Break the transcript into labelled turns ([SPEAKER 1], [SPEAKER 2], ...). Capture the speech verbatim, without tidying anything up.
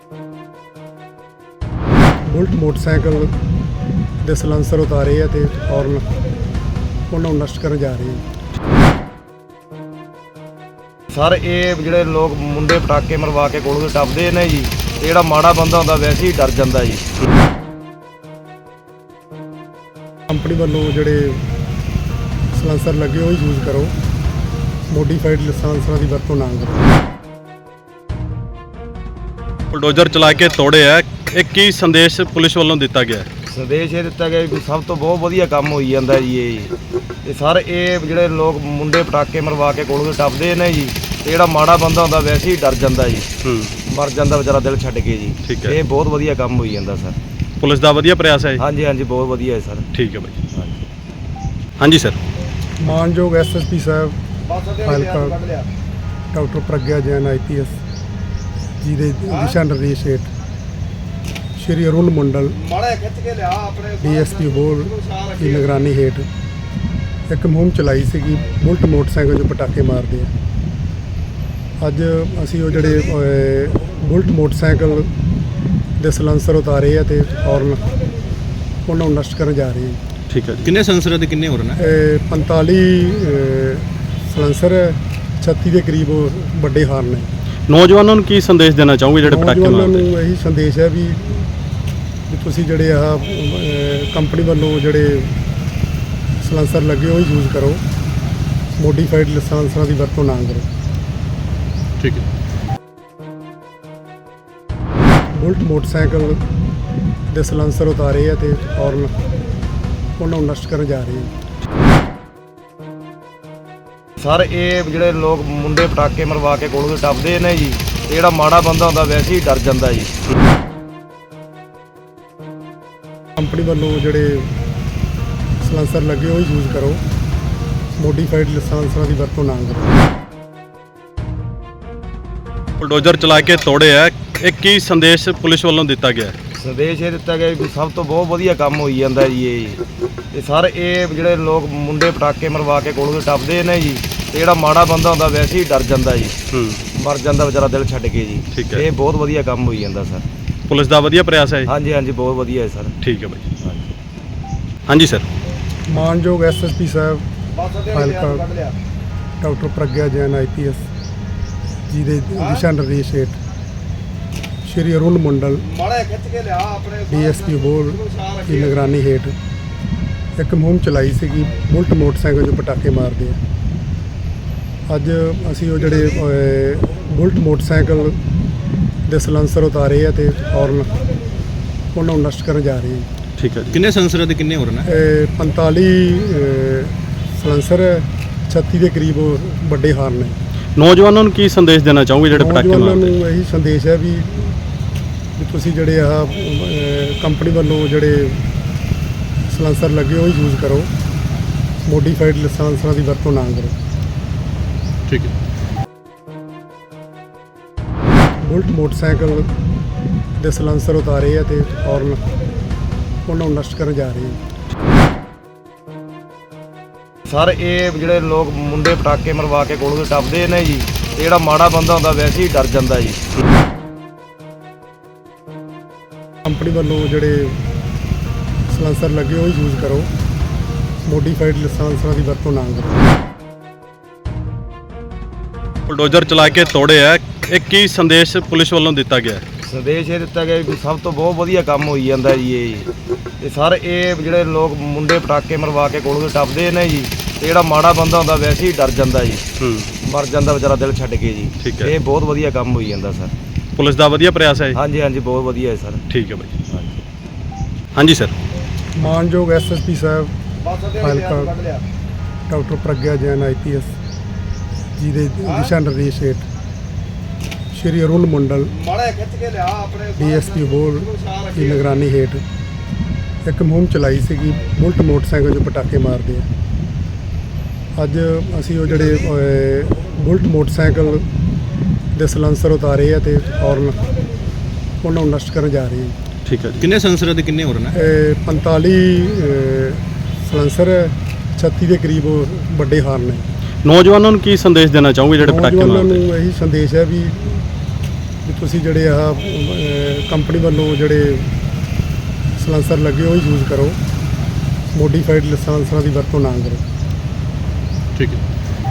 [SPEAKER 1] Bullet motorcycle ਦੇ silencer ਉਤਾਰੇ ਆ ਤੇ ਔਰਨ ਉਹਨਾਂ ਨੂੰ ਨਸ਼ਟ ਕਰਨ ਜਾ ਰਹੇ ਆ।
[SPEAKER 2] ਸਰ ਇਹ ਜਿਹੜੇ ਲੋਕ ਮੁੰਡੇ ਪਟਾਕੇ ਮਰਵਾ ਕੇ ਕੋਲੋਂ ਟੱਪਦੇ ਨੇ ਜੀ, ਇਹ ਜਿਹੜਾ ਮਾੜਾ ਬੰਦਾ ਹੁੰਦਾ ਵੈਸੇ ਹੀ ਡਰ ਜਾਂਦਾ ਜੀ।
[SPEAKER 1] ਕੰਪਨੀ ਵੱਲੋਂ ਜਿਹੜੇ ਸਲੈਂਸਰ ਲੱਗੇ ਉਹ ਯੂਜ਼ ਕਰੋ, ਮੋਡੀਫਾਈਡ ਸਲੈਂਸਰਾਂ ਦੀ ਵਰਤੋਂ ਨਾ ਕਰੋ।
[SPEAKER 3] ਬੁਲਡੋਜ਼ਰ ਚਲਾ ਕੇ ਤੋੜੇ ਆ, ਇਹ ਕੀ ਸੰਦੇਸ਼ ਪੁਲਿਸ ਵੱਲੋਂ ਦਿੱਤਾ ਗਿਆ?
[SPEAKER 2] ਸੰਦੇਸ਼ ਇਹ ਦਿੱਤਾ ਗਿਆ ਵੀ ਸਭ ਤੋਂ ਬਹੁਤ ਵਧੀਆ ਕੰਮ ਹੋਈ ਜਾਂਦਾ ਜੀ ਇਹ ਤੇ ਸਰ ਇਹ ਜਿਹੜੇ ਲੋਕ ਮੁੰਡੇ ਪਟਾਕੇ ਮਰਵਾ ਕੇ ਕੋਲੋਂ ਟੱਪਦੇ ਨੇ ਜੀ, ਇਹ ਜਿਹੜਾ ਮਾੜਾ ਬੰਦਾ ਹੁੰਦਾ ਵੈਸੇ ਹੀ ਡਰ ਜਾਂਦਾ ਜੀ, ਮਰ ਜਾਂਦਾ ਵਿਚਾਰਾ ਦਿਲ ਛੱਡ ਕੇ ਜੀ। ਇਹ ਬਹੁਤ ਵਧੀਆ ਕੰਮ ਹੋਈ ਜਾਂਦਾ ਸਰ।
[SPEAKER 3] ਪੁਲਿਸ ਦਾ ਵਧੀਆ ਪ੍ਰਯਾਸ ਹੈ?
[SPEAKER 2] ਹਾਂਜੀ ਹਾਂਜੀ ਬਹੁਤ ਵਧੀਆ ਹੈ ਸਰ।
[SPEAKER 3] ਠੀਕ ਹੈ ਬਾਈ। ਹਾਂਜੀ ਸਰ।
[SPEAKER 1] ਮਾਨਯੋਗ ਐਸ ਐਸ ਪੀ ਸਾਹਿਬ ਹਲਕਾ doctor Pragya Jain I P S ji ਦੇ ਦਿਸ਼ਾ ਨਿਰਦੇਸ਼ ਹੇਠ Shri Arun Mandal D S P ਹੋਰ ਦੀ ਨਿਗਰਾਨੀ ਹੇਠ ਇੱਕ ਮੁਹਿੰਮ ਚਲਾਈ ਸੀਗੀ ਬੁਲਟ ਮੋਟਰਸਾਈਕਲ ਜੋ ਪਟਾਕੇ ਮਾਰਦੇ ਆ। ਅੱਜ ਅਸੀਂ ਉਹ ਜਿਹੜੇ ਬੁਲਟ ਮੋਟਰਸਾਈਕਲ ਦੇ ਸਲੈਂਸਰ ਉਤਾਰੇ ਆ ਤੇ ਔਰਨ ਉਹਨਾਂ ਨੂੰ ਨਸ਼ਟ ਕਰਨ ਜਾ ਰਹੇ ਆ।
[SPEAKER 3] ਠੀਕ ਹੈ ਜੀ। ਕਿੰਨੇ ਸਲੈਂਸਰ ਤੇ ਕਿੰਨੇ ਹੋਰ ਨੇ?
[SPEAKER 1] ਪੰਤਾਲੀ ਸਲੈਂਸਰ, ਛੱਤੀ ਦੇ ਕਰੀਬ ਵੱਡੇ ਹਾਰਨ ਨੇ।
[SPEAKER 3] ਨੌਜਵਾਨਾਂ ਨੂੰ ਕੀ ਸੰਦੇਸ਼ ਦੇਣਾ ਚਾਹੋਗੇ ਜਿਹੜੇ ਪਟਾਕੇ ਮਾਰਦੇ?
[SPEAKER 1] ਨੌਜਵਾਨਾਂ ਨੂੰ ਇਹੀ ਸੰਦੇਸ਼ ਹੈ ਵੀ ਵੀ ਤੁਸੀਂ ਜਿਹੜੇ ਆਹ ਕੰਪਨੀ ਵੱਲੋਂ ਜਿਹੜੇ ਸਲੈਂਸਰ ਲੱਗੇ ਉਹ ਯੂਜ਼ ਕਰੋ, ਮੋਡੀਫਾਈਡ ਸਲੈਂਸਰਾਂ ਦੀ ਵਰਤੋਂ ਨਾ ਕਰੋ।
[SPEAKER 3] ਠੀਕ ਹੈ।
[SPEAKER 1] ਬੁਲਟ ਮੋਟਰਸਾਈਕਲ ਦੇ ਸਲੈਂਸਰ ਉਤਾਰੇ ਆ ਤੇ ਔਰਨ ਉਹਨਾਂ ਨੂੰ ਨਸ਼ਟ ਕਰਨ ਜਾ ਰਹੇ ਆ।
[SPEAKER 2] ਸਰ ਇਹ ਜਿਹੜੇ ਲੋਕ ਮੁੰਡੇ ਪਟਾਕੇ ਮਰਵਾ ਕੇ ਕੋਲੋਂ ਟੱਪਦੇ ਨੇ ਜੀ, ਇਹ ਜਿਹੜਾ ਮਾੜਾ ਬੰਦਾ ਹੁੰਦਾ ਵੈਸੇ ਹੀ ਡਰ ਜਾਂਦਾ ਜੀ।
[SPEAKER 1] ਕੰਪਨੀ ਵੱਲੋਂ ਜਿਹੜੇ ਸਲੈਂਸਰ ਲੱਗੇ ਉਹ ਯੂਜ਼ ਕਰੋ, ਮੋਡੀਫਾਈਡ ਸਲੈਂਸਰਾਂ ਦੀ ਵਰਤੋਂ ਨਾ ਕਰੋ।
[SPEAKER 3] ਬੁਲਡੋਜ਼ਰ ਚਲਾ ਕੇ ਤੋੜੇ ਆ, ਇਹ ਕੀ ਸੰਦੇਸ਼ ਪੁਲਿਸ ਵੱਲੋਂ ਦਿੱਤਾ ਗਿਆ?
[SPEAKER 2] ਸੰਦੇਸ਼ ਇਹ ਦਿੱਤਾ ਗਿਆ ਵੀ ਸਭ ਤੋਂ ਬਹੁਤ ਵਧੀਆ ਕੰਮ ਹੋਈ ਜਾਂਦਾ ਜੀ ਇਹ ਤੇ ਸਰ ਇਹ ਜਿਹੜੇ ਲੋਕ ਮੁੰਡੇ ਪਟਾਕੇ ਮਰਵਾ ਕੇ ਕੋਲੋਂ ਟੱਪਦੇ ਨੇ ਜੀ, ਇਹ ਜਿਹੜਾ ਮਾੜਾ ਬੰਦਾ ਹੁੰਦਾ ਵੈਸੇ ਹੀ ਡਰ ਜਾਂਦਾ ਜੀ, ਮਰ ਜਾਂਦਾ ਵਿਚਾਰਾ ਦਿਲ ਛੱਡ ਕੇ ਜੀ। ਇਹ ਬਹੁਤ ਵਧੀਆ ਕੰਮ ਹੋਈ ਜਾਂਦਾ ਸਰ।
[SPEAKER 3] ਪੁਲਿਸ ਦਾ ਵਧੀਆ ਪ੍ਰਯਾਸ ਹੈ?
[SPEAKER 2] ਹਾਂਜੀ ਹਾਂਜੀ ਬਹੁਤ ਵਧੀਆ ਹੈ ਸਰ।
[SPEAKER 3] ਠੀਕ ਹੈ ਬਾਈ। ਹਾਂਜੀ ਸਰ।
[SPEAKER 1] ਮਾਨਯੋਗ ਐਸ ਐਸ ਪੀ ਸਾਹਿਬ ਹਲਕਾ doctor Pragya Jain I P S ji ਦੇ ਦਿਸ਼ਾ ਨਿਰਦੇਸ਼ ਹੇਠ Shri Arun Mandal D S P ਹੋਰ ਦੀ ਨਿਗਰਾਨੀ ਹੇਠ ਇੱਕ ਮੁਹਿੰਮ ਚਲਾਈ ਸੀਗੀ ਬੁਲਟ ਮੋਟਰਸਾਈਕਲ ਜੋ ਪਟਾਕੇ ਮਾਰਦੇ ਆ। ਅੱਜ ਅਸੀਂ ਉਹ ਜਿਹੜੇ ਬੁਲਟ ਮੋਟਰਸਾਈਕਲ ਦੇ ਸਲੈਂਸਰ ਉਤਾਰੇ ਆ ਤੇ ਔਰਨ ਉਹਨਾਂ ਨੂੰ ਨਸ਼ਟ ਕਰਨ ਜਾ ਰਹੇ ਆ।
[SPEAKER 3] ਠੀਕ ਹੈ ਜੀ। ਕਿੰਨੇ ਸਲੈਂਸਰ ਤੇ ਕਿੰਨੇ ਹੋਰ ਨੇ?
[SPEAKER 1] ਪੰਤਾਲੀ ਸਲੈਂਸਰ, ਛੱਤੀ ਦੇ ਕਰੀਬ ਵੱਡੇ ਹਾਰਨ ਨੇ।
[SPEAKER 3] ਨੌਜਵਾਨਾਂ ਨੂੰ ਕੀ ਸੰਦੇਸ਼ ਦੇਣਾ ਚਾਹੋਗੇ ਜਿਹੜੇ ਪਟਾਕੇ ਮਾਰਦੇ?
[SPEAKER 1] ਨੌਜਵਾਨਾਂ ਨੂੰ ਇਹੀ ਸੰਦੇਸ਼ ਹੈ ਵੀ ਵੀ ਤੁਸੀਂ ਜਿਹੜੇ ਆਹ ਕੰਪਨੀ ਵੱਲੋਂ ਜਿਹੜੇ ਸਲੈਂਸਰ ਲੱਗੇ ਉਹ ਯੂਜ਼ ਕਰੋ, ਮੋਡੀਫਾਈਡ ਸਲੈਂਸਰਾਂ ਦੀ ਵਰਤੋਂ ਨਾ ਕਰੋ।
[SPEAKER 3] ਠੀਕ ਹੈ।
[SPEAKER 1] ਬੁਲਟ ਮੋਟਰਸਾਈਕਲ ਦੇ ਸਲੈਂਸਰ ਉਤਾਰੇ ਆ ਤੇ ਔਰਨ ਉਹਨਾਂ ਨੂੰ ਨਸ਼ਟ ਕਰਨ ਜਾ ਰਹੇ ਆ।
[SPEAKER 2] ਸਰ ਇਹ ਜਿਹੜੇ ਲੋਕ ਮੁੰਡੇ ਪਟਾਕੇ ਮਰਵਾ ਕੇ ਕੋਲੋਂ ਟੱਪਦੇ ਨੇ ਜੀ, ਇਹ ਜਿਹੜਾ ਮਾੜਾ ਬੰਦਾ ਹੁੰਦਾ ਵੈਸੇ ਹੀ ਡਰ ਜਾਂਦਾ ਜੀ।
[SPEAKER 1] ਕੰਪਨੀ ਵੱਲੋਂ ਜਿਹੜੇ ਸਲੈਂਸਰ ਲੱਗੇ ਉਹ ਯੂਜ਼ ਕਰੋ, ਮੋਡੀਫਾਈਡ ਸਲੈਂਸਰਾਂ ਦੀ ਵਰਤੋਂ ਨਾ ਕਰੋ।
[SPEAKER 3] ਬੁਲਡੋਜ਼ਰ ਚਲਾ ਕੇ ਤੋੜੇ ਆ, ਇਹ ਕੀ ਸੰਦੇਸ਼ ਪੁਲਿਸ ਵੱਲੋਂ ਦਿੱਤਾ ਗਿਆ?
[SPEAKER 2] ਸੰਦੇਸ਼ ਇਹ ਦਿੱਤਾ ਗਿਆ ਵੀ ਸਭ ਤੋਂ ਬਹੁਤ ਵਧੀਆ ਕੰਮ ਹੋਈ ਜਾਂਦਾ ਜੀ ਇਹ ਤੇ ਸਰ ਇਹ ਜਿਹੜੇ ਲੋਕ ਮੁੰਡੇ ਪਟਾਕੇ ਮਰਵਾ ਕੇ ਕੋਲੋਂ ਟੱਪਦੇ ਨੇ ਜੀ, ਇਹ ਜਿਹੜਾ ਮਾੜਾ ਬੰਦਾ ਹੁੰਦਾ ਵੈਸੇ ਹੀ ਡਰ ਜਾਂਦਾ ਜੀ, ਮਰ ਜਾਂਦਾ ਵਿਚਾਰਾ ਦਿਲ ਛੱਡ ਕੇ ਜੀ। ਇਹ ਬਹੁਤ ਵਧੀਆ ਕੰਮ ਹੋਈ ਜਾਂਦਾ ਸਰ।
[SPEAKER 3] ਪੁਲਿਸ ਦਾ ਵਧੀਆ ਪ੍ਰਯਾਸ ਹੈ?
[SPEAKER 2] ਹਾਂਜੀ ਹਾਂਜੀ ਬਹੁਤ ਵਧੀਆ ਹੈ ਸਰ।
[SPEAKER 3] ਠੀਕ ਹੈ ਬਾਈ। ਹਾਂਜੀ ਸਰ।
[SPEAKER 1] ਮਾਨਯੋਗ ਐਸ ਐਸ ਪੀ ਸਾਹਿਬ ਹਲਕਾ doctor Pragya Jain I P S ji ਦੇ ਦਿਸ਼ਾ ਨਿਰਦੇਸ਼ ਹੇਠ Shri Arun Mandal D S P ਹੋਰ ਦੀ ਨਿਗਰਾਨੀ ਹੇਠ ਇੱਕ ਮੁਹਿੰਮ ਚਲਾਈ ਸੀਗੀ ਬੁਲਟ ਮੋਟਰਸਾਈਕਲ ਜੋ ਪਟਾਕੇ ਮਾਰਦੇ ਆ। ਅੱਜ ਅਸੀਂ ਉਹ ਜਿਹੜੇ ਬੁਲਟ ਮੋਟਰਸਾਈਕਲ ਦੇ ਸਲੈਂਸਰ ਉਤਾਰੇ ਆ ਤੇ ਔਰਨ ਉਹਨਾਂ ਨੂੰ ਨਸ਼ਟ ਕਰਨ ਜਾ ਰਹੇ ਆ।
[SPEAKER 3] ਠੀਕ ਹੈ ਜੀ। ਕਿੰਨੇ ਸਲੈਂਸਰ ਤੇ ਕਿੰਨੇ ਹੋਰ ਨੇ?
[SPEAKER 1] ਪੰਤਾਲੀ ਸਲੈਂਸਰ, ਛੱਤੀ ਦੇ ਕਰੀਬ ਵੱਡੇ ਹਾਰਨ ਨੇ।
[SPEAKER 3] ਨੌਜਵਾਨਾਂ ਨੂੰ ਕੀ ਸੰਦੇਸ਼ ਦੇਣਾ ਚਾਹੋਗੇ ਜਿਹੜੇ ਪਟਾਕੇ ਮਾਰਦੇ?
[SPEAKER 1] ਨੌਜਵਾਨਾਂ ਨੂੰ ਇਹੀ ਸੰਦੇਸ਼ ਹੈ ਵੀ ਵੀ ਤੁਸੀਂ ਜਿਹੜੇ ਆ ਕੰਪਨੀ ਵੱਲੋਂ ਜਿਹੜੇ ਸਲਾਂਸਰ ਲੱਗੇ ਉਹ ਯੂਜ਼ ਕਰੋ, ਮੋਡੀਫਾਈਡ ਲਾਇਸੈਂਸਾਂ ਦੀ ਵਰਤੋਂ ਨਾ ਕਰੋ।
[SPEAKER 3] ਠੀਕ ਹੈ।